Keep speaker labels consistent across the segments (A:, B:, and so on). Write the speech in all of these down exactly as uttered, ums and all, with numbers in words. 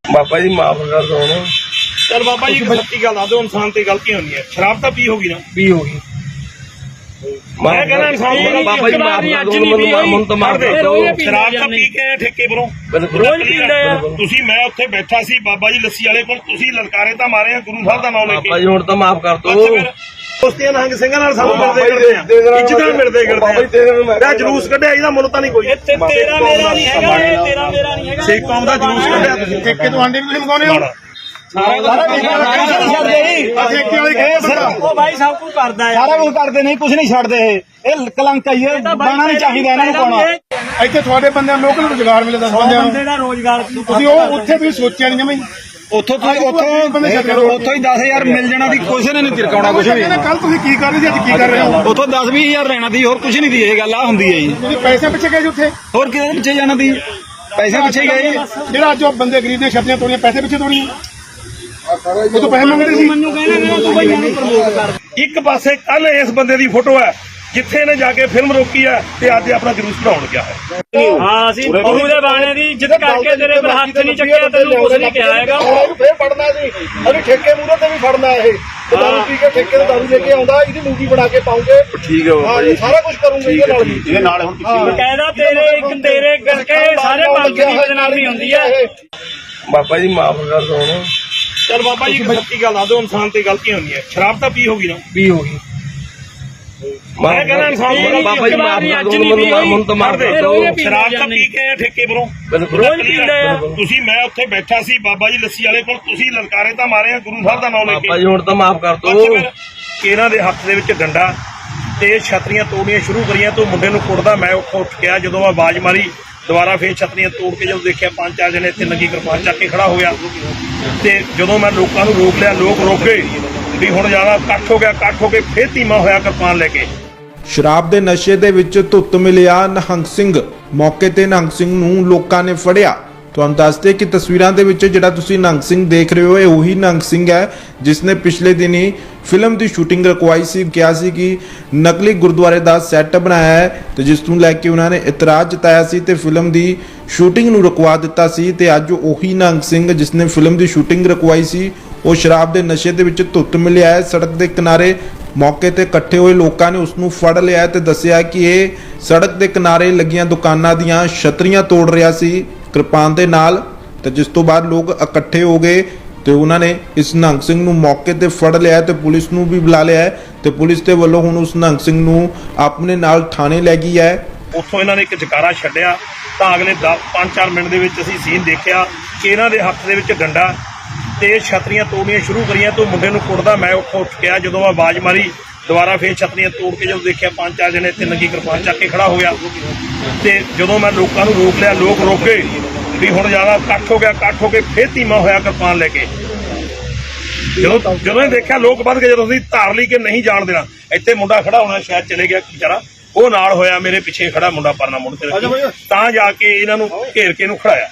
A: बाबा जी माफ कर दो ना।
B: चल बाबा जी सच्ची गल दस दो, इंसान ते गलती होनी है। शराब तो पी होगी ना?
A: पी होगी।
B: मैं कहना इंसान को
A: बाबा जी माफ कर दो, मन तो मार दे।
B: शराब तो पी के ठेके परों
A: रोज पींदा
B: ਤੁਸੀਂ ਮੈਂ ਉੱਥੇ ਬੈਠਾ ਸੀ ਬਾਬਾ ਜੀ ਲੱਸੀ ਵਾਲੇ ਕੋਲ, ਤੁਸੀਂ ਲਲਕਾਰੇ ਤਾਂ ਮਾਰੇ ਆ ਗੁਰੂ ਸਾਹਿਬ ਦਾ ਨਾਮ ਲੈ ਕੇ।
A: बाबा जी हुण तो माफ कर दो।
B: ਦੋਸਤੀਆਂ ਨੰਗ ਸਿੰਘਾਂ ਨਾਲ ਸਾਨੂੰ ਮਿਲਦੇ ਕਰਦੇ ਆ, ਇੱਜ਼ਤਾਂ ਮਿਲਦੇ ਕਰਦੇ ਆ। ਜਲੂਸ ਕੱਢਿਆ ਇਹਦਾ ਮੁੱਲ ਤਾਂ ਨਹੀਂ ਕੋਈ।
C: ਤੇਰਾ ਮੇਰਾ ਨਹੀਂ ਹੈਗਾ, ਇਹ ਤੇਰਾ ਮੇਰਾ ਨਹੀਂ ਹੈਗਾ।
B: ਸਿੱਖ ਕੌਮ ਦਾ ਜਲੂਸ ਕੱਢਿਆ ਤੁਸੀਂ।
D: ਠੇਕੇ ਤੋਂ ਆਂਡੇ ਵੀ ਤੁਸੀਂ ਮੰਗਾਉਣੇ ਹੋ।
C: ਉਹ ਭਾਈ ਸਭ ਕੁਝ ਕਰਦਾ ਹੈ,
D: ਸਾਰਾ ਕੁਝ ਕਰਦੇ ਨਹੀਂ, ਕੁਝ ਨਹੀਂ ਛੱਡਦੇ। ਇਹ ਇਹ ਕਲੰਕ ਹੈ, ਇਹ ਬਾਣਾ ਨਹੀਂ ਚਾਹੀਦਾ ਇਹਨਾਂ ਨੂੰ ਪਾਉਣਾ। ਇੱਥੇ ਤੁਹਾਡੇ ਬੰਦਿਆਂ ਨੂੰ ਲੋਕਲ ਰੁਜ਼ਗਾਰ ਮਿਲੇ ਦਸ ਬੰਦਿਆਂ
C: ਬੰਦੇ ਦਾ ਰੋਜ਼ਗਾਰ
D: ਤੁਸੀਂ ਉਹ ਉੱਥੇ ਤੁਸੀਂ ਸੋਚਿਆ ਨਹੀਂ ਜਮਈ। ਉੱਥੋਂ ਤੁਸੀਂ ਉੱਥੋਂ ਉੱਥੋਂ ਹੀ ਦਸ ਹਜ਼ਾਰ ਮਿਲ ਜਾਣਾ ਦੀ ਕਿਸੇ ਨੇ ਨਹੀਂ ਤਿਰਕਾਉਣਾ ਕੁਝ ਵੀ। ਕੱਲ ਤੁਸੀਂ ਕੀ ਕਰ ਰਹੇ ਜੀ, ਅੱਜ ਕੀ ਕਰ ਰਹੇ ਹੋ? ਉੱਥੋਂ ਦਸ ਵੀਹ ਹਜ਼ਾਰ ਲੈਣਾ ਦੀ, ਹੋਰ ਕੁਝ ਨਹੀਂ ਦੀ। ਇਹ ਗੱਲ ਆ ਹੁੰਦੀ ਹੈ ਜੀ। ਤੁਸੀਂ ਪੈਸੇ ਪਿੱਛੇ ਗਏ ਜੀ ਉੱਥੇ, ਹੋਰ ਕਿਹਦੇ ਪਿੱਛੇ ਜਾਣਾ ਦੀ? ਪੈਸੇ ਪਿੱਛੇ ਗਏ। ਜਿਹੜਾ ਅੱਜ ਬੰਦੇ ਗਰੀਬ ਦੀਆਂ ਛੱਤੀਆਂ ਤੋੜੀਆਂ, ਪੈਸੇ ਪਿੱਛੇ ਤੋੜੀਆਂ, ਉਹ ਤੋਂ ਪੈਸੇ ਮੰਗਦੇ ਸੀ।
C: ਮੈਨੂੰ ਕਹਿੰਦਾ ਤੂੰ ਬਈ ਮੈਨੂੰ ਪ੍ਰਮੋਟ ਕਰ।
B: ਇੱਕ ਪਾਸੇ ਕੱਲ ਇਸ ਬੰਦੇ ਦੀ ਫੋਟੋ ਹੈ ਜਿੱਥੇ ਨੇ ਜਾ ਕੇ ਫਿਲਮ ਰੋਕੀ ਹੈ ਤੇ ਅੱਜ ਆਪਣਾ ਜਲੂਸ ਕਢਾਉਣ ਗਿਆ ਹੈ।
C: ਹਾਂ ਅਸੀਂ ਗੁਰੂ ਦੇ ਬਾਣੇ ਦੀ ਇੱਜ਼ਤ ਕਰਕੇ ਤੇਰੇ ਪਰ ਹੱਥ ਨਹੀਂ ਚੱਕਿਆ, ਤੈਨੂੰ ਕੁਝ ਨਹੀਂ ਕਿਹਾ ਹੈਗਾ।
D: ਇਹਨੂੰ ਫੇਰ ਫੜਨਾ ਸੀ, ਅਸੀਂ ਠੇਕੇ ਮੂਹਰੇ ਤੇ ਵੀ ਫੜਨਾ। ਇਹ ਦਾਰੂ ਪੀ ਕੇ ਠੇਕੇ ਤੋਂ ਦਾਰੂ ਲੈ ਕੇ ਆਉਂਦਾ, ਇਹਦੀ ਮੂਵੀ ਬਣਾ ਕੇ ਪਾਉਂਗੇ।
A: ठीक है बाबा जी,
D: ਸਾਰਾ ਕੁਝ ਕਰੂੰਗੇ ਇਹਦੇ ਨਾਲ ਵੀ। ਇਹਦੇ ਨਾਲ ਹੁਣ
C: ਬਕਾਇਦਾ ਤੇਰੇ ਇੱਕ ਤੇਰੇ ਕਰਕੇ ਸਾਰੇ ਪੰਜ ਦੀ ਨਾਲ ਵੀ ਹੁੰਦੀ ਹੈ।
A: बाबा जी माफ कर दो ना।
B: ਚਲ ਬਾਬਾ ਜੀ ਸੱਚੀ ਗੱਲ ਦੱਸ ਦਿਓ, ਇਨਸਾਨ ਤੇ ਗਲਤੀ ਹੋਣੀ ਹੈ। ਸ਼ਰਾਬ ਤਾਂ ਪੀ ਹੋਗੀ ਨਾ?
A: पी होगी।
B: मैं कहना इंसान को
A: बाबा जी माफ कर दो, मन तो मार दे।
B: ਸ਼ਰਾਬ ਤਾਂ ਪੀ ਕੇ ਠੇਕੇ ਪਰੋਂ
C: ਰੋਜ਼ ਪੀਂਦਾ ਆ।
B: ਤੁਸੀਂ ਮੈਂ ਉੱਥੇ ਬੈਠਾ ਸੀ ਬਾਬਾ ਜੀ ਲੱਸੀ ਵਾਲੇ ਕੋਲ, ਤੁਸੀਂ ਲਲਕਾਰੇ ਤਾਂ ਮਾਰੇ ਆ ਗੁਰੂ ਸਾਹਿਬ ਦਾ ਨਾਮ ਲੈ
A: बाबा
B: ਕੇ।
A: जी हुण तो माफ कर दो।
B: ਬਸ ਫਿਰ ਇਹਨਾਂ ਦੇ ਹੱਥ ਦੇ ਵਿੱਚ ਡੰਡਾ ਤੇ ਛਤਰੀਆਂ ਤੋੜਨੀਆਂ ਸ਼ੁਰੂ ਕਰੀਆਂ ਤੋਂ ਮੁੰਡੇ ਨੂੰ ਕੁੱਟਦਾ ਮੈਂ ਉੱਥੋਂ ਉੱਠ ਗਿਆ। ਜਦੋਂ ਮੈਂ ਆਵਾਜ਼ ਮਾਰੀ ਦੁਬਾਰਾ ਫੇਰ ਛਤਰੀਆਂ ਤੋੜ ਕੇ ਜਦੋਂ ਦੇਖਿਆ ਪੰਜ ਚਾਰ ਜਣੇ ਇੱਥੇ ਨੰਗੀ ਕਿਰਪਾਨ ਚੱਕ ਕੇ ਖੜਾ ਹੋ ਗਿਆ। ਤੇ ਜਦੋਂ ਮੈਂ ਲੋਕਾਂ ਨੂੰ ਰੋਕ ਲਿਆ, ਲੋਕ ਰੋਕ ਗਏ ਵੀ ਹੁਣ ਜ਼ਿਆਦਾ ਇਕੱਠ ਹੋ ਗਿਆ। ਇਕੱਠ ਹੋ ਕੇ ਫੇਰ ਧੀਮਾ ਹੋਇਆ ਕਿਰਪਾਨ ਲੈ ਕੇ।
E: ਸ਼ਰਾਬ ਦੇ ਨਸ਼ੇ ਦੇ ਵਿੱਚ ਧੁੱਤ ਮਿਲਿਆ ਨਿਹੰਗ ਸਿੰਘ। ਮੌਕੇ ਤੇ ਨਿਹੰਗ ਸਿੰਘ ਨੂੰ ਲੋਕਾਂ ਨੇ ਫੜਿਆ। ਤੁਹਾਨੂੰ ਦੱਸਦੇ ਕਿ ਤਸਵੀਰਾਂ ਦੇ ਵਿੱਚ ਜਿਹੜਾ ਤੁਸੀਂ ਨਿਹੰਗ ਸਿੰਘ ਦੇਖ ਰਹੇ ਹੋ, ਇਹ ਉਹੀ ਨਿਹੰਗ ਸਿੰਘ ਹੈ ਜਿਸ ਨੇ ਪਿਛਲੇ ਦਿਨੀ ਫਿਲਮ ਦੀ ਸ਼ੂਟਿੰਗ ਰਕਵਾਈ ਸੀ। ਕਿਹਾ ਸੀ ਕਿ ਨਕਲੀ ਗੁਰਦੁਆਰੇ ਦਾ ਸੈੱਟ ਬਣਾਇਆ ਹੈ ਤੇ ਜਿਸ ਨੂੰ ਲੈ ਕੇ ਉਹਨਾਂ ਨੇ ਇਤਰਾਜ਼ ਜਤਾਇਆ ਸੀ ਤੇ ਫਿਲਮ ਦੀ ਸ਼ੂਟਿੰਗ ਨੂੰ ਰੁਕਵਾ ਦਿੱਤਾ ਸੀ। ਤੇ ਅੱਜ ਉਹੀ ਨਿਹੰਗ ਸਿੰਘ ਜਿਸ ਨੇ ਫਿਲਮ ਦੀ ਸ਼ੂਟਿੰਗ ਰਕਵਾਈ ਸੀ, ਉਹ ਸ਼ਰਾਬ ਦੇ ਨਸ਼ੇ ਦੇ ਵਿੱਚ ਧੁੱਤ ਮਿਲਿਆ ਹੈ। ਸੜਕ ਦੇ ਕਿਨਾਰੇ ਮੌਕੇ ਤੇ ਇਕੱਠੇ ਹੋਏ ਲੋਕਾਂ ਨੇ ਉਸ ਨੂੰ ਫੜ ਲਿਆ ਤੇ ਦੱਸਿਆ ਕਿ ਇਹ ਸੜਕ ਦੇ ਕਿਨਾਰੇ ਲੱਗੀਆਂ ਦੁਕਾਨਾਂ ਦੀਆਂ ਛਤਰੀਆਂ ਤੋੜ ਰਿਹਾ ਸੀ ਕਿਰਪਾਨ ਦੇ ਨਾਲ। ਤੇ ਜਿਸ ਤੋਂ ਬਾਅਦ ਲੋਕ ਇਕੱਠੇ ਹੋ ਗਏ ਤੇ ਉਹਨਾਂ ਨੇ ਇਸ ਨਿਹੰਗ ਸਿੰਘ ਨੂੰ ਮੌਕੇ ਤੇ ਫੜ ਲਿਆ ਤੇ ਪੁਲਿਸ ਨੂੰ ਵੀ ਬੁਲਾ ਲਿਆ ਤੇ ਪੁਲਿਸ ਦੇ ਵੱਲੋਂ ਹੁਣ ਉਸ ਨਿਹੰਗ ਸਿੰਘ ਨੂੰ ਆਪਣੇ ਨਾਲ ਥਾਣੇ ਲੈ ਗਈ ਹੈ।
B: ਉੱਥੋਂ ਇਹਨਾਂ ਨੇ ਇੱਕ ਜਕਾਰਾ ਛੱਡਿਆ ਤਾਂ ਅਗਲੇ ਪੰਜ ਚਾਰ ਮਿੰਟ ਦੇ ਵਿੱਚ ਅਸੀਂ ਸੀਨ ਦੇਖਿਆ ਕਿ ਇਹਨਾਂ ਦੇ ਹੱਥ ਦੇ ਵਿੱਚ ਡੰਡਾ ਤੇ ਛਤਰੀਆਂ ਤੋੜਨੀਆਂ ਸ਼ੁਰੂ ਕਰੀਆਂ ਤੋਂ ਮੁੰਡੇ ਨੂੰ ਕੁੱਟਦਾ ਮੈਂ ਉੱਥੋਂ ਉੱਠ ਗਿਆ। ਜਦੋਂ ਮੈਂ ਆਵਾਜ਼ ਮਾਰੀ ਦੁਬਾਰਾ ਫੇਰ ਛਤਰੀਆਂ ਤੋੜ ਕੇ ਜਦੋਂ ਦੇਖਿਆ ਪੰਜ ਚਾਰ ਜਣੇ ਇੱਥੇ ਨੰਗੀ ਕਿਰਪਾਨ ਚੱਕ ਕੇ ਖੜਾ ਹੋ ਗਿਆ। ਤੇ ਜਦੋਂ ਮੈਂ ਲੋਕਾਂ ਨੂੰ ਰੋਕ ਲਿਆ, ਲੋਕ ਰੋਕ ਗਏ ਵੀ ਹੁਣ ਜ਼ਿਆਦਾ ਇਕੱਠ ਹੋ ਗਿਆ। ਇਕੱਠ ਹੋ ਕੇ ਫੇਰ ਧੀਮਾ ਹੋਇਆ ਕਿਰਪਾਨ ਲੈ ਕੇ। ਜਦੋਂ ਜਦੋਂ ਇਹ ਦੇਖਿਆ ਲੋਕ ਵੱਧ ਗਏ, ਜਦੋਂ ਅਸੀਂ ਧਾਰ ਲਈ ਕਿ ਨਹੀਂ ਜਾਣ ਦੇਣਾ, ਇੱਥੇ ਮੁੰਡਾ ਖੜਾ ਹੋਣਾ ਸ਼ਾਇਦ ਚਲੇ ਗਿਆ ਵਿਚਾਰਾ, ਉਹ ਨਾਲ ਹੋਇਆ ਮੇਰੇ ਪਿੱਛੇ ਖੜਾ ਮੁੰਡਾ ਪਰਨਾ ਮੁੰਡ ਤੇ ਤਾਂ ਜਾ ਕੇ ਇਹਨਾਂ ਨੂੰ ਘੇਰ ਕੇ ਇਹਨੂੰ ਖੜਾਇਆ।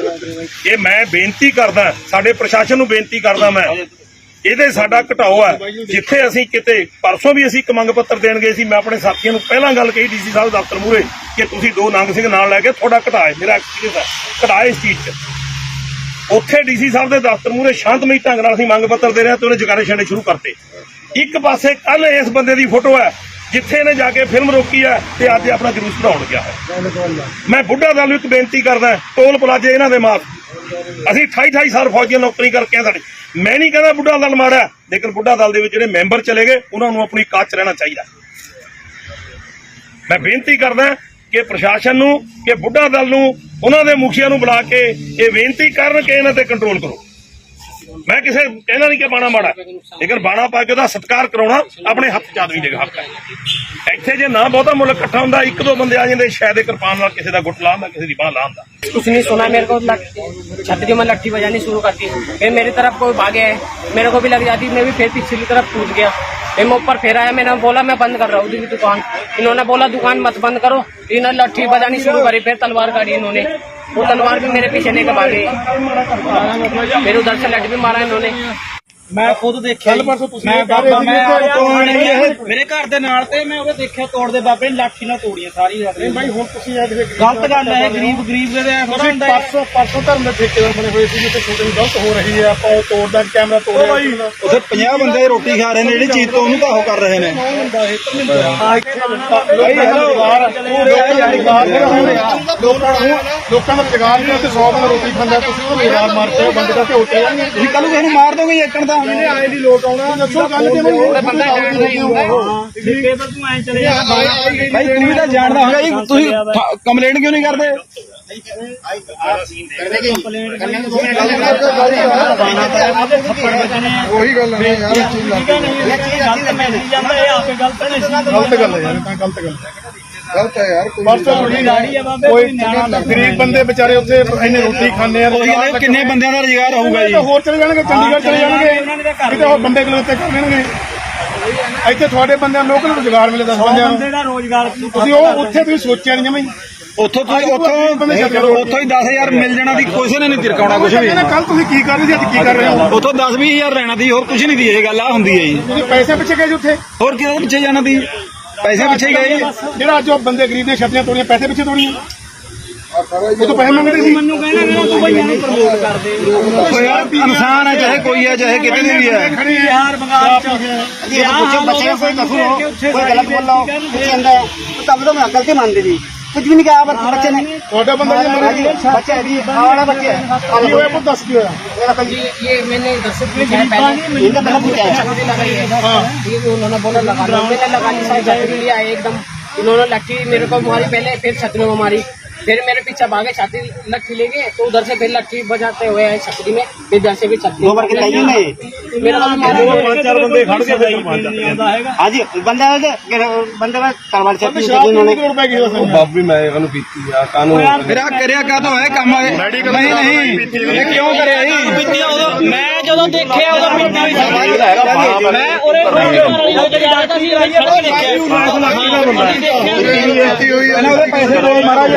B: ਇਹ ਮੈਂ ਬੇਨਤੀ ਕਰਦਾ, ਸਾਡੇ ਪ੍ਰਸ਼ਾਸਨ ਨੂੰ ਬੇਨਤੀ ਕਰਦਾ ਮੈਂ, ਇਹਦੇ ਸਾਡਾ ਘਟਾਓ ਹੈ। ਜਿੱਥੇ ਅਸੀਂ ਕਿਤੇ ਪਰਸੋਂ ਵੀ ਅਸੀਂ ਇੱਕ ਮੰਗ ਪੱਤਰ ਦੇਣ ਗਏ ਸੀ, ਮੈਂ ਆਪਣੇ ਸਾਥੀਆਂ ਨੂੰ ਪਹਿਲਾਂ ਗੱਲ ਕਹੀ ਡੀਸੀ ਸਾਹਿਬ ਦਫ਼ਤਰ ਮੂਹਰੇ ਕਿ ਤੁਸੀਂ ਦੋ ਨੰਗ ਸਿੰਘ ਨਾਲ ਲੈ ਕੇ ਤੁਹਾਡਾ ਘਟਾਏ, ਮੇਰਾ ਐਕਸਪੀਰੀਅੰਸ ਹੈ ਘਟਾਏ ਇਸ ਚੀਜ਼ 'ਚ। ਉੱਥੇ ਡੀਸੀ ਸਾਹਿਬ ਦੇ ਦਫ਼ਤਰ ਮੂਹਰੇ ਸ਼ਾਂਤਮਈ ਢੰਗ ਨਾਲ ਅਸੀਂ ਮੰਗ ਪੱਤਰ ਦੇ ਰਹੇ ਤੇ ਉਹਨੇ ਜਕਾਰੇ ਛੱਡਣੇ ਸ਼ੁਰੂ ਕਰਤੇ। ਇੱਕ ਪਾਸੇ ਕੱਲ ਇਸ ਬੰਦੇ ਦੀ ਫੋਟੋ ਹੈ ਜਿੱਥੇ ਨੇ ਜਾ ਕੇ ਫਿਲਮ ਰੋਕੀ ਹੈ ਤੇ ਅੱਜ ਆਪਣਾ ਜਲੂਸ ਕਢਾਉਣ ਗਿਆ ਹੈ। ਮੈਂ ਬੁੱਢਾ ਦਲ ਨੂੰ ਇੱਕ ਬੇਨਤੀ ਕਰਦਾ, ਟੋਲ ਪਲਾਜੇ ਇਹਨਾਂ ਦੇ ਮਾਰ। ਅਸੀਂ ਅਠਾਈ ਅਠਾਈ ਸਾਲ ਫੌਜੀ ਨੌਕਰੀ ਕਰਕੇ ਆ ਸਾਡੇ। ਮੈਂ ਨਹੀਂ ਕਹਿੰਦਾ ਬੁੱਢਾ ਦਲ ਮਾੜਾ, ਲੇਕਿਨ ਬੁੱਢਾ ਦਲ ਦੇ ਵਿੱਚ ਜਿਹੜੇ ਮੈਂਬਰ ਚਲੇ ਗਏ ਉਹਨਾਂ ਨੂੰ ਆਪਣੀ ਕਾਚ 'ਚ ਰਹਿਣਾ ਚਾਹੀਦਾ। ਮੈਂ ਬੇਨਤੀ ਕਰਦਾ ਕਿ ਪ੍ਰਸ਼ਾਸਨ ਨੂੰ, ਕਿ ਬੁੱਢਾ ਦਲ ਨੂੰ, ਉਹਨਾਂ ਦੇ ਮੁਖੀਆਂ ਨੂੰ ਬੁਲਾ ਕੇ ਇਹ ਬੇਨਤੀ ਕਰਨ ਕਿ ਇਹਨਾਂ ਤੇ ਕੰਟਰੋਲ ਕਰੋ। ਮੈਂ ਕਿਸੇ ਕਹਿਣਾ ਨਹੀਂ ਕਿ ਬਾਣਾ ਮਾੜਾ, ਲੇਕਿਨ ਬਾਣਾ ਪਾ ਕੇ ਉਹਦਾ ਸਤਿਕਾਰ ਕਰਾਉਣਾ ਆਪਣੇ ਹੱਥ 'ਚ ਆਦਮੀ ਦੇ ਹੱਕ ਹੈ। ਇੱਥੇ ਜੇ ਨਾ ਬਹੁਤਾ ਮੁੱਲ ਇਕੱਠਾ ਹੁੰਦਾ, ਇੱਕ ਦੋ ਬੰਦੇ ਆ ਜਾਂਦੇ ਸ਼ਾਇਦ ਕਿਰਪਾਨ ਨਾਲ ਕਿਸੇ ਦਾ ਗੁੱਟ ਲਾਉਂਦਾ, ਕਿਸੇ ਦੀ ਬਾਂਹ ਲਾਉਂਦਾ।
C: कुछ नहीं सुना, मेरे को छतरी में लट्ठी बजानी शुरू करती, फिर मेरी तरफ कोई भागे है, मेरे को भी लग जाती, मैं भी फिर पिछली तरफ कूद गया। फिर मैं ऊपर फिर आया, मैंने बोला मैं बंद कर रहा हूँ दुकान। इन्होंने बोला दुकान मत बंद करो, इन्होंने लट्ठी बजानी शुरू करी, फिर तलवार काटी इन्होंने। वो तलवार भी मेरे पीछे नहीं कमा गई, फिर उधर से लट भी मारा इन्होंने।
D: ਮੈਂ ਖੁਦ ਦੇਖਿਆ
F: ਕੱਲ ਪਰਸੋਂ ਤੁਸੀਂ
D: ਮੈਂ
F: ਇਹ ਕਹਿ ਰਹੇ
D: ਬਾਬਾ
F: ਸੀ
D: ਮੈਂ
F: ਕਿ ਤੋੜ ਨਹੀਂ ਇਹ
D: ਮੇਰੇ ਘਰ ਦੇ ਨਾਲ ਤੇ ਮੈਂ ਉਹਦੇ ਦੇਖਿਆ ਤੋੜਦੇ ਬਾਬੇ ਨੇ ਲਾਠੀ ਨਾਲ ਤੋੜੀਆਂ ਸਾਰੀ ਰਾਤ
F: ਨਹੀਂ ਭਾਈ ਹੁਣ ਤੁਸੀਂ ਇਹ ਦੇਖੋ
D: ਗਲਤ ਗੱਲ ਹੈ ਗਰੀਬ ਗਰੀਬ ਦੇ ਥੋੜਾ
F: ਤੁਸੀਂ
D: ਹੁੰਦਾ ਹੈ।
F: ਪਰਸੋਂ ਪਰਸੋਂ ਧਰਮ ਦੇ ਠੇਕੇਦਾਰ ਬਣੇ ਹੋਏ ਸੀ ਜਿੱਥੇ ਸ਼ੂਟਿੰਗ ਗਲਤ ਹੋ ਰਹੀ ਹੈ ਆਪਾਂ ਉਹ ਤੋੜਦਾ ਕੈਮਰਾ ਤੋੜਿਆ
D: ਉੱਥੇ ਪੰਜਾਹ ਬੰਦੇ ਰੋਟੀ ਖਾ ਰਹੇ ਨੇ ਜਿਹੜੀ ਚੀਜ਼ ਤੋਂ ਉਹਨੂੰ ਤਾਂ ਉਹ ਕਰ ਰਹੇ ਨੇ
F: ਲੋਕਾਂ ਦਾ ਰੁਜ਼ਗਾਰ ਨਹੀਂ ਤੇ ਸੌ ਬੰਦਾ ਰੋਟੀ ਖਾਂਦਾ ਤੁਸੀਂ ਉਹ ਰੁਜ਼ਗਾਰ ਮਾਰ ਕੇ ਬੰਦੇ ਦਾ ਝੋਟੇ ਜਾਣਗੇ
D: ਤੁਸੀਂ ਕੱਲ ਨੂੰ ਕਿਸੇ ਨੂੰ ਮਾਰ ਦੋਗੇ ਏਕਣ ਦਾ
F: ਇਹਨੇ ਆਏ ਦੀ ਲੋਟ ਆਉਣਾ ਦੱਸੋ ਗੱਲ ਕਿਵੇਂ ਬੰਦਾ
D: ਠੇਕੇਦਾਰ ਤੂੰ ਐ ਚਲੇ ਜਾ ਭਾਈ ਤੂੰ ਵੀ ਤਾਂ ਜਾਣਦਾ ਹੋਗਾ ਜੀ ਤੁਸੀਂ ਕੰਪਲੇਂਟ ਕਿਉਂ ਨਹੀਂ ਕਰਦੇ
F: ਉਹੀ ਗੱਲ ਹੈ ਯਾਰ ਇਹ ਚੀਜ਼ ਲੱਗ ਗਲਤ ਗੱਲ ਹੈ ਯਾਰ ਤਾਂ ਗਲਤ ਗੱਲ ਗਲਤ ਹੈ ਯਾਰ ਕੋਈ ਗਰੀਬ ਬੰਦੇ ਵਿਚਾਰੇ ਉੱਥੇ ਇੰਨੇ ਰੋਟੀ ਖਾਂਦੇ ਆ
D: ਕਿੰਨੇ ਬੰਦਿਆਂ ਦਾ ਰੁਜ਼ਗਾਰ ਹੋਊਗਾ ਜੀ
F: ਹੋਰ ਚਲੇ ਜਾਣਗੇ ਚੰਡੀਗੜ੍ਹ ਚਲੇ ਜਾਣਗੇ ਕਿਤੇ ਹੋਰ ਬੰਦੇ ਕੋਲ ਉੱਤੇ ਕਰ ਲੈਣਗੇ ਇੱਥੇ ਤੁਹਾਡੇ ਬੰਦਿਆਂ ਨੂੰ ਲੋਕਲ ਰੁਜ਼ਗਾਰ ਮਿਲੇ ਦਸ ਬੰਦਿਆਂ ਨੂੰ ਤੁਸੀਂ ਉਹ ਉੱਥੇ ਤੁਸੀਂ ਸੋਚਿਆ ਨਹੀਂ ਜਮਾਈ
D: ਉੱਥੋਂ ਤੁਸੀਂ ਉੱਥੋਂ ਉੱਥੋਂ ਹੀ ਦਸ ਹਜ਼ਾਰ ਮਿਲ ਜਾਣਾ ਦੀ ਕਿਸੇ ਨੇ ਨਹੀਂ ਤਿਰਕਾਉਣਾ ਕੁਝ ਵੀ
F: ਕੱਲ ਤੁਸੀਂ ਕੀ ਕਰ ਰਹੇ ਸੀ ਅੱਜ ਕੀ ਕਰ ਰਹੇ ਹੋ
D: ਉੱਥੋਂ ਦਸ ਵੀਹ ਹਜ਼ਾਰ ਲੈਣਾ ਦੀ ਹੋਰ ਕੁਝ ਨਹੀਂ ਦੀ ਇਹ ਗੱਲ ਆ ਹੁੰਦੀ ਹੈ ਜੀ
F: ਤੁਸੀਂ ਪੈਸੇ ਪਿੱਛੇ ਗਏ ਸੀ ਉੱਥੇ
D: ਹੋਰ ਕਿਹਦੇ ਪਿੱਛੇ ਜਾਣਾ ਦੀ ਪੈਸੇ ਪਿੱਛੇ ਹੀ ਗਏ ਜੀ
F: ਜਿਹੜਾ ਅੱਜ ਉਹ ਬੰਦੇ ਗਰੀਬ ਨੇ ਛੱਤੀਆਂ ਤੋੜੀਆਂ ਪੈਸੇ ਪਿੱਛੇ ਤੋੜੀਆਂ ਉਹ ਤਾਂ ਪੈਸੇ ਮੰਗਦੇ ਸੀ
D: ਮੈਨੂੰ ਕਹਿਣਾ ਕਿ ਤੂੰ ਬਈ ਇਹਨੂੰ ਪ੍ਰਮੋਟ ਕਰਦੇ ਯਾਰ ਇਨਸਾਨ ਹੈ ਚਾਹੇ ਕੋਈ ਹੈ ਚਾਹੇ ਕਿਤੇ ਵੀ ਹੈ
F: ਬਿਹਾਰ ਬੰਗਾਲ ਚ
G: कुछ बच्चे कोई कसूर हो कोई गलत बोल रहा हो कुछ अंदर तो तब तो मैं गलती मान दी कुछ भी नहीं कहा बस बच्चे ने
F: ਤੁਹਾਡਾ ਬੰਦਾ ਜੀ ਮਰ ਗਿਆ
G: बच्चे अभी हमारा बच्चे
F: ਕੀ ਹੋਇਆ ਪੁੱਤ ਦੱਸ ਕੀ ਹੋਇਆ
C: ये ये मैंने घर से पूछा है पहले
G: इनका पहले पूछा है
C: छतरी लगाई है ये भी उन्होंने बोला लगा लो मैंने लगा ली सारी छतरी लिया एकदम इन्होंने लट्ठी मेरे को मारी पहले फिर छतरी में मारी फिर मेरे पीछे भागे छतरी लट्ठी ले गए तो उधर से फिर लट्ठी बजाते हुए आए छतरी में फिर जैसे भी छतरी
G: दो बार के टाइम में
C: मेरा को मारा
B: ਪੰਜ ਚਾਰ ਬੰਦੇ ਖੜ ਕੇ ਫਿਰ
G: हाँ जी बंदा बंदे में तलवार चलती
F: ਸ਼ਰਾਬ
G: उन्होंने
F: ਕਿੰਨੇ ਰੁਪਏ ਕੀ ਦੱਸੋ
A: ਬਾਬੀ ਮੈਂ ਇਹਨੂੰ ਪੀਤੀ ਆ ਕਾਨੂੰ
D: ਮੇਰਾ ਕਰਿਆ ਕਾਹਤੋਂ ਹੈ ਕੰਮ ਨਹੀਂ ਨਹੀਂ ਇਹ ਕਿਉਂ ਕਰਿਆ ਜੀ
C: मैं जो देखिए उधर मैं उरे
D: ਇਹਨਾਂ ਉਹਦੇ ਪੈਸੇ ਦੋ ਮਹਾਰਾਜ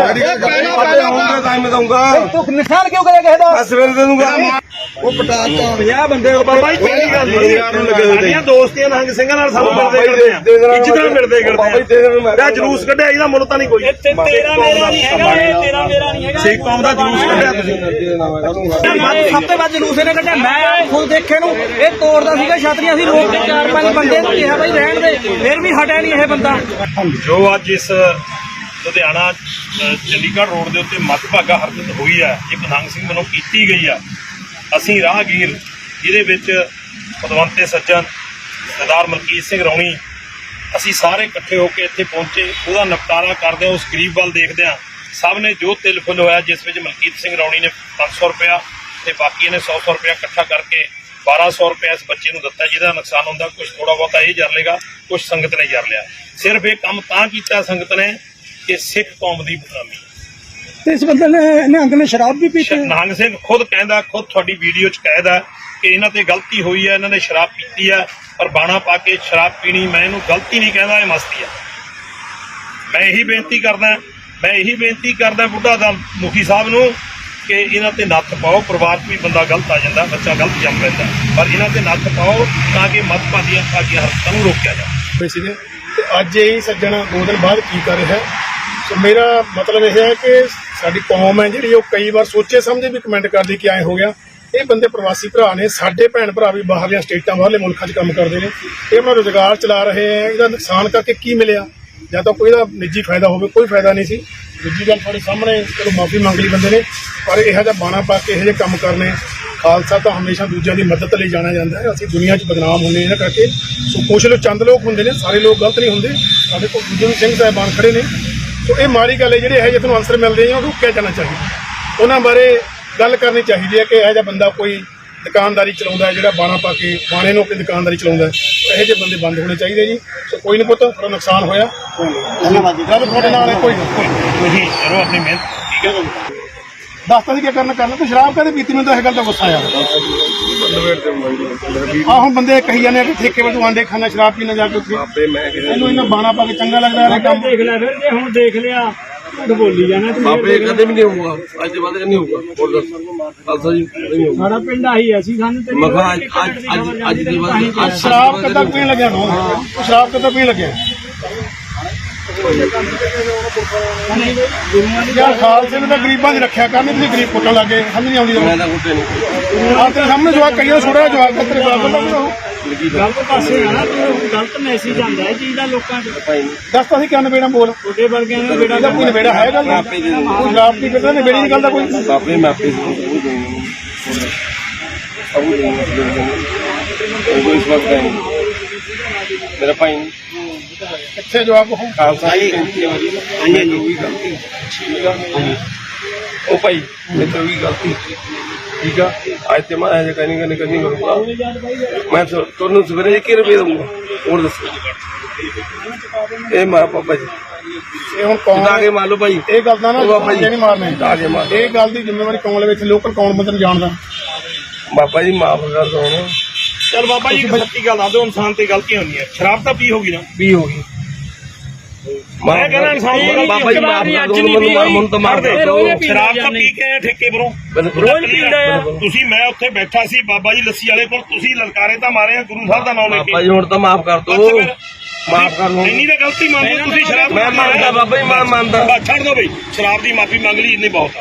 A: ਟਾਈਮ ਦਊਂਗਾ
D: ਤੂੰ ਨੁਕਸਾਨ ਕਿਉਂ ਕਰਿਆ ਕਿਸੇ ਦਾ
A: ਸਵੇਰੇ ਦੇ ਦੂੰਗਾ
D: ਉਹ ਪਟਾਤਾ ਪੰਜਾਹ ਬੰਦੇ
B: ਬਾਬਾ ਜੀ ਪਹਿਲੀ ਗੱਲ ਸਾਡੀਆਂ ਦੋਸਤੀਆਂ ਨੰਗ ਸਿੰਘਾਂ ਨਾਲ ਸਾਨੂੰ ਮਿਲਦੇ ਕਰਦੇ ਆ ਇੱਜ਼ਤਾਂ ਮਿਲਦੇ ਕਰਦੇ ਆ ਇਹ ਜਲੂਸ ਕੱਢਿਆ ਇਹਦਾ ਮੁੱਲ ਤਾਂ ਨਹੀਂ ਕੋਈ ਤੇਰਾ ਮੇਰਾ ਨਹੀਂ ਹੈਗਾ ਤੇਰਾ ਮੇਰਾ ਨਹੀਂ ਹੈਗਾ ਸਿੱਖ ਕੌਮ ਦਾ ਜਲੂਸ ਕੱਢਿਆ ਤੁਸੀਂ
D: ਸਭ ਤੋਂ ਵੱਧ ਜਲੂਸ ਇਹਨੇ ਕੱਢਿਆ ਮੈਂ ਖੁਦ ਦੇਖੇ ਨੂੰ ਇਹ ਤੋੜਦਾ ਸੀਗਾ ਛਤਰੀਆਂ ਸੀ ਲੋਕ ਤੇ ਚਾਰ ਪੰਜ ਬੰਦੇ ਨੂੰ ਕਿਹਾ ਬਾਈ ਰਹਿਣ ਦੇ ਫਿਰ ਵੀ ਹਟਿਆ ਨਹੀਂ ਇਹ ਬੰਦਾ
B: ਜੋ ਅੱਜ ਇਸ ਲੁਧਿਆਣਾ ਅ, ਚੰਡੀਗੜ੍ਹ ਰੋਡ ਦੇ ਉੱਤੇ ਮੱਧਭਾਗਾ ਹਰਕਤ ਹੋਈ ਹੈ ਇੱਕ ਨੰਗ ਸਿੰਘ ਵੱਲੋਂ ਕੀਤੀ ਗਈ ਆ ਅਸੀਂ ਰਾਹਗੀਰ ਜਿਹਦੇ ਵਿੱਚ ਪਦਵੰਤੇ ਸੱਜਣ ਸਰਦਾਰ ਮਲਕੀਤ ਸਿੰਘ ਰੌਣੀ ਅਸੀਂ ਸਾਰੇ ਇਕੱਠੇ ਹੋ ਕੇ ਇੱਥੇ ਪਹੁੰਚੇ ਉਹਦਾ ਨਿਪਟਾਰਾ ਕਰਦੇ ਹਾਂ ਉਸ ਗਰੀਬ ਵੱਲ ਦੇਖਦੇ ਹਾਂ ਸਭ ਨੇ ਜੋ ਤਿਲ ਫੁੱਲ ਹੋਇਆ ਜਿਸ ਵਿੱਚ ਮਲਕੀਤ ਸਿੰਘ ਰੌਣੀ ਨੇ ਪੰਜ ਸੌ ਰੁਪਇਆ ਤੇ ਬਾਕੀ ਨੇ ਸੌ ਸੌ ਰੁਪਇਆ ਇਕੱਠਾ ਕਰਕੇ ਬਾਰਾਂ ਸੌ ਰੁਪਇਆ ਇਸ ਬੱਚੇ ਨੂੰ ਦਿੱਤਾ ਜਿਹਦਾ ਨੁਕਸਾਨ ਹੁੰਦਾ ਕੁਝ ਥੋੜਾ ਬਹੁਤਾ ਇਹ ਜਰ ਲੇਗਾ ਕੁਝ ਸੰਗਤ ਨੇ ਜਰ ਲਿਆ ਸਿਰਫ ਇਹ ਕੰਮ ਤਾਂ ਕੀਤਾ ਸੰਗਤ ਨੇ ਕਿ ਸਿੱਖ ਕੌਮ ਦੀ ਬਦਨਾਮੀ
F: ਇਸ ਬੰਦੇ ਨੇ ਨਿਹੰਗ ਨੇ ਸ਼ਰਾਬ ਵੀ ਪੀਤੀ
B: ਨਿਹੰਗ ਸਿੰਘ ਖੁਦ ਕਹਿੰਦਾ ਖੁਦ ਤੁਹਾਡੀ ਵੀਡੀਓ 'ਚ ਕਹਿਦਾ ਕਿ ਇਹਨਾਂ ਤੇ ਗਲਤੀ ਹੋਈ ਹੈ ਇਹਨਾਂ ਨੇ ਸ਼ਰਾਬ ਪੀਤੀ ਹੈ ਪਰ ਬਾਣਾ ਪਾ ਕੇ ਸ਼ਰਾਬ ਪੀਣੀ ਮੈਂ ਇਹਨੂੰ ਗਲਤੀ ਨਹੀਂ ਕਹਿੰਦਾ ਇਹ ਮਸਤੀ ਹੈ ਮੈਂ ਇਹੀ ਬੇਨਤੀ ਕਰਦਾ ਮੈਂ ਇਹੀ ਬੇਨਤੀ ਕਰਦਾ ਬੁੱਢਾ ਦਾ ਮੁਖੀ ਸਾਹਿਬ ਨੂੰ ਕਿ ਇਹਨਾਂ ਤੇ ਨੱਥ ਪਾਓ ਪਰਿਵਾਰ 'ਚ ਵੀ ਬੰਦਾ ਗਲਤ ਆ ਜਾਂਦਾ ਬੱਚਾ ਗਲਤ ਜੰਮ ਪੈਂਦਾ ਪਰ ਇਹਨਾਂ ਤੇ ਨੱਥ ਪਾਓ ਤਾਂ ਕਿ ਮੱਧਭਾਗੀਆਂ ਭਾਗੀਆਂ ਹਰਕਤਾਂ ਨੂੰ ਰੋਕਿਆ ਜਾਵੇ
F: ਸੀਗੇ ਤੇ ਅੱਜ ਇਹ ਸੱਜਣ ਦੋ ਦਿਨ ਬਾਅਦ ਕੀ ਕਰ ਰਿਹਾ ਸੋ ਮੇਰਾ ਮਤਲਬ ਇਹ ਹੈ ਕਿ ਸਾਡੀ ਕੌਮ ਹੈ ਜਿਹੜੀ ਉਹ ਕਈ ਵਾਰ ਸੋਚੇ ਸਮਝੇ ਵੀ ਕਮੈਂਟ ਕਰਦੀ ਕਿ ਐਂ ਹੋ ਗਿਆ ਇਹ ਬੰਦੇ ਪ੍ਰਵਾਸੀ ਭਰਾ ਨੇ ਸਾਡੇ ਭੈਣ ਭਰਾ ਵੀ ਬਾਹਰਲੀਆਂ ਸਟੇਟਾਂ ਬਾਹਰਲੇ ਮੁਲਕਾਂ 'ਚ ਕੰਮ ਕਰਦੇ ਨੇ ਇਹ ਆਪਣਾ ਰੁਜ਼ਗਾਰ ਚਲਾ ਰਹੇ ਹੈ ਇਹਦਾ ਨੁਕਸਾਨ ਕਰਕੇ ਕੀ ਮਿਲਿਆ ਜਾਂ ਤਾਂ ਕੋਈ ਦਾ ਨਿੱਜੀ ਫਾਇਦਾ ਹੋਵੇ ਕੋਈ ਫਾਇਦਾ ਨਹੀਂ ਸੀ ਦੂਜੀ ਗੱਲ ਤੁਹਾਡੇ ਸਾਹਮਣੇ ਚਲੋ ਮਾਫੀ ਮੰਗ ਲਈ ਬੰਦੇ ਨੇ ਪਰ ਇਹੋ ਜਿਹਾ ਬਾਣਾ ਪਾ ਕੇ ਇਹੋ ਜਿਹੇ ਕੰਮ ਕਰਨੇ ਖਾਲਸਾ ਤਾਂ ਹਮੇਸ਼ਾ ਦੂਜਿਆਂ ਦੀ ਮਦਦ ਲਈ ਜਾਣਿਆ ਜਾਂਦਾ ਹੈ ਅਸੀਂ ਦੁਨੀਆ 'ਚ ਬਦਨਾਮ ਹੁੰਦੇ ਇਹਨਾਂ ਕਰਕੇ ਸੋ ਕੁਛ ਲੋਕ ਚੰਦ ਲੋਕ ਹੁੰਦੇ ਨੇ ਸਾਰੇ ਲੋਕ ਗਲਤ ਨਹੀਂ ਹੁੰਦੇ ਸਾਡੇ ਕੋਲ ਦੂਜੇ ਵੀ ਸਿੰਘ ਸਾਹਿਬਾਨ ਖੜੇ ਨੇ ਸੋ ਇਹ ਮਾੜੀ ਗੱਲ ਹੈ ਜਿਹੜੇ ਇਹੋ ਜਿਹੇ ਤੁਹਾਨੂੰ ਆਨਸਰ ਮਿਲਦੇ ਆ ਉਹ ਰੋਕਿਆ ਜਾਣਾ ਚਾਹੀਦਾ ਉਹਨਾਂ ਬਾਰੇ ਗੱਲ ਕਰਨੀ ਚਾਹੀਦੀ ਹੈ ਕਿ ਇਹੋ ਜਿਹਾ ਬੰਦਾ ਕੋਈ ਦੁਕਾਨਦਾਰੀ ਚਲਾਉਂਦਾ ਜਿਹੜਾ ਬਾਣਾ ਪਾ ਕੇ ਬਾਣੇ ਨੂੰ ਆਪਣੀ ਦੁਕਾਨਦਾਰੀ ਚਲਾਉਂਦਾ ਇਹੋ ਜਿਹੇ ਬੰਦੇ ਬੰਦ ਹੋਣੇ ਚਾਹੀਦੇ ਜੀ ਸੋ ਕੋਈ ਨਹੀਂ ਪੁੱਤ ਥੋੜਾ ਨੁਕਸਾਨ ਹੋਇਆ
G: धन्यवाद जी
F: ਗੱਲ ਤੁਹਾਡੇ ਨਾਲ ਹੈ ਕੋਈ ਨਾ ਕੋਈ
B: ਤੁਸੀਂ ਕਰੋ ਆਪਣੀ ਮਿਹਨਤ ਠੀਕ ਹੈ
F: ਦੱਸਤਾ ਸੀ ਕੀ ਕਰਨਾ ਕਰਨਾ ਤੂੰ ਸ਼ਰਾਬ ਕਾਹਦੇ ਪੀਤੀ ਮੈਨੂੰ ਤਾਂ ਇਹ ਗੱਲ ਦਾ ਗੁੱਸਾ ਆਇਆ ਆਹ ਹੁਣ ਬੰਦੇ ਕਹੀ ਜਾਂਦੇ ਆ ਕਿ ਠੇਕੇ ਵੱਲ ਤੂੰ ਆਂਡੇ ਖਾਣਾ ਸ਼ਰਾਬ ਪੀਣਾ ਜਾ ਕੇ ਉੱਥੇ
A: ਬਾਬੇ ਮੈਂ
F: ਇਹਨੂੰ ਇਹਨਾਂ ਬਾਣਾ ਪਾ ਕੇ ਚੰਗਾ ਲੱਗਦਾ ਇਹ ਕੰਮ
D: ਦੇਖ ਲੈ ਫਿਰ ਜੇ ਹੁਣ ਦੇਖ ਲਿਆ ਝੂਠ ਬੋਲੀ ਜਾਣਾ
A: ਬਾਬੇ ਕਦੇ ਵੀ ਨਹੀਂ ਹੋਊਗਾ, ਅੱਜ ਦੇ ਬਾਅਦ ਨਹੀਂ ਹੋਊਗਾ। ਹੋਰ ਦੱਸ ਖਾਲਸਾ ਜੀ ਨਹੀਂ ਹੋਊਗਾ।
D: ਸਾਡਾ ਪਿੰਡ ਆਹੀ ਹੈ, ਅਸੀਂ ਸਾਨੂੰ
A: ਮੈਂ ਕਿਹਾ ਅੱਜ ਅੱਜ ਅੱਜ ਅੱਜ ਦੇ ਬਾਅਦ ਅੱਜ
F: ਸ਼ਰਾਬ ਕਦਾਂ ਪੀਣ ਲੱਗਿਆ ਨਾ ਸ਼ਰਾਬ ਕਦਾਂ ਪੀਣ ਲੱਗਿਆ ਯਾਰ ਖਾਲਸੇ ਨੂੰ ਤਾਂ ਗਰੀਬਾਂ 'ਚ ਰੱਖਿਆ ਕਰਨੀ, ਤੁਸੀਂ ਗਰੀਬ ਪੁੱਟਣ ਲੱਗੇ ਸਮਝ ਨਹੀਂ ਆਉਂਦੀ
A: ਮੈਂ ਤਾਂ ਕੁੱਤੇ ਨਹੀਂ
F: ਆਹ ਤੇਰੇ ਸਾਹਮਣੇ ਜਵਾਕ ਕਈਆਂ ਛੋੜਿਆ ਜਵਾਕ ਦਾ ਤੇਰੇ ਬਰਾਬਰ ਦਾ ਬਣਾਓ।
D: ਗਲਤ ਪਾਸੇ ਆ ਨਾ, ਗਲਤ ਮੈਸੇਜ ਆਉਂਦਾ ਹੈ ਚੀਜ਼ ਦਾ ਲੋਕਾਂ 'ਚ।
F: ਦੱਸ ਤਾਂ ਅਸੀਂ ਕਿਉਂ ਨਵੇੜਾ ਬੋਲ
D: ਛੋਟੇ ਵਰਗਿਆਂ ਨੂੰ ਬੇੜਾ
F: ਇਹਦਾ ਕੋਈ ਨਵੇੜਾ ਹੈ ਗੱਲ
A: ਆਪੇ ਦੇ ਦਿੰਦਾ।
F: ਕੋਈ ਸ਼ਰਾਬ ਪੀ ਕੇ ਤਾਂ ਨਵੇੜੀ ਨਹੀਂ ਗੱਲ ਦਾ ਕੋਈ
A: ਬਾਬੇ ਮੈਂ ਆਪੇ ਸਭ ਦੇ ਦੂੰਗਾ। ਸਭ ਦੇ ਦੂੰਗਾ। ਕੋਈ ਇਸ ਵਕਤ ਨਹੀਂ ਮੇਰਾ ਭਾਈ ਨਹੀਂ।
F: ਕਿੱਥੇ ਜਵਾਕ ਹੋ
A: ਖਾਲਸਾ ਜੀ ਹਾਂਜੀ ਹਾਂਜੀ ਵੀ ਗਲਤੀ ਠੀਕ ਆ ਉਹ ਭਾਈ ਮੇਰੇ ਤੋਂ ਵੀ ਗਲਤੀ ਠੀਕ ਆ ਅੱਜ ਤੇ ਮੈਂ ਅਜੇ ਕਰਨੀ ਕਰਨੀ ਕਰਨੀ ਕਰੂੰਗਾ ਮੈਂ ਤੁ- ਤੁਹਾਨੂੰ ਸਵੇਰੇ ਕਿ ਰੁਪਏ ਦਊਂਗਾ ਹੋਰ ਦੱਸੋ ਇਹ ਮਾਰਾ ਪਾਪਾ ਜੀ
F: ਇਹ ਹੁਣ ਕੌਣ
A: ਜਿੱਦਾਂ ਕੇ ਮੰਨ ਲਓ ਭਾਈ
F: ਇਹ ਗੱਲ ਦਾ ਨਾ
A: ਉਹ ਬਾਬਾ ਜੀ
F: ਨਹੀਂ ਮਾਰਨੇ
A: ਜਿੱਦਾਂ ਕੇ ਮਾਰ
F: ਇਹ ਗੱਲ ਦੀ ਜ਼ਿੰਮੇਵਾਰੀ ਕੌਣ ਲਵੇ ਇੱਥੇ ਲੋਕਲ ਕੌਣ ਬੰਦੇ ਨੂੰ ਜਾਣਦਾ
A: ਬਾਬਾ ਜੀ ਮਾਫ ਕਰ ਦੋ ਹੁਣ
B: ਚਲ ਬਾਬਾ ਜੀ ਇੱਕ ਸੱਚੀ ਗੱਲ ਦੱਸ ਦਿਓ, ਇਨਸਾਨ ਤੇ ਗਲਤੀ ਹੁੰਦੀ ਹੈ। ਸ਼ਰਾਬ ਤਾਂ ਪੀ ਹੋਗੀ ਨਾ,
F: ਵੀ ਹੋ ਗਈ
B: ਮੈਂ ਕਹਿੰਦਾ ਇਨਸਾਨ ਨੂੰ
A: ਬਾਬਾ ਜੀ ਮਾਫ ਕਰ ਦੋ ਮੈਨੂੰ ਮਾਰ ਮੈਨੂੰ ਤਾਂ ਮਾਰ ਦੇ ਦਿਓ।
B: ਸ਼ਰਾਬ ਤਾਂ ਪੀ ਕੇ ਆਏ ਠੇਕੇ ਪਰੋਂ
A: ਰੋਜ਼
B: ਪੀਂਦਾ ਆ। ਤੁਸੀਂ ਮੈਂ ਉੱਥੇ ਬੈਠਾ ਸੀ ਬਾਬਾ ਜੀ ਲੱਸੀ ਵਾਲੇ ਕੋਲ, ਤੁਸੀਂ ਲਲਕਾਰੇ ਤਾਂ ਮਾਰੇ ਆ ਗੁਰੂ ਸਾਹਿਬ ਦਾ ਨਾਮ ਲੈ
A: ਬਾਬਾ
B: ਕੇ।
A: ਜੀ ਹੁਣ ਤਾਂ ਮਾਫ ਕਰ
B: ਬਸ
A: ਦੋ
B: ਫਿਰ
A: ਮਾਫ ਕਰ ਲਓ
B: ਇੰਨੀ ਤਾਂ ਗਲਤੀ ਮੰਨ ਲਓ ਤੁਸੀਂ। ਸ਼ਰਾਬ
A: ਮੈਂ ਮੰਨਦਾ ਬਾਬਾ ਜੀ ਮੈਂ ਮੰਨਦਾ
B: ਬਸ ਛੱਡ ਦਿਓ ਬਈ, ਸ਼ਰਾਬ ਦੀ ਮਾਫੀ ਮੰਗ ਲਈ ਇੰਨੀ ਬਹੁਤ ਆ।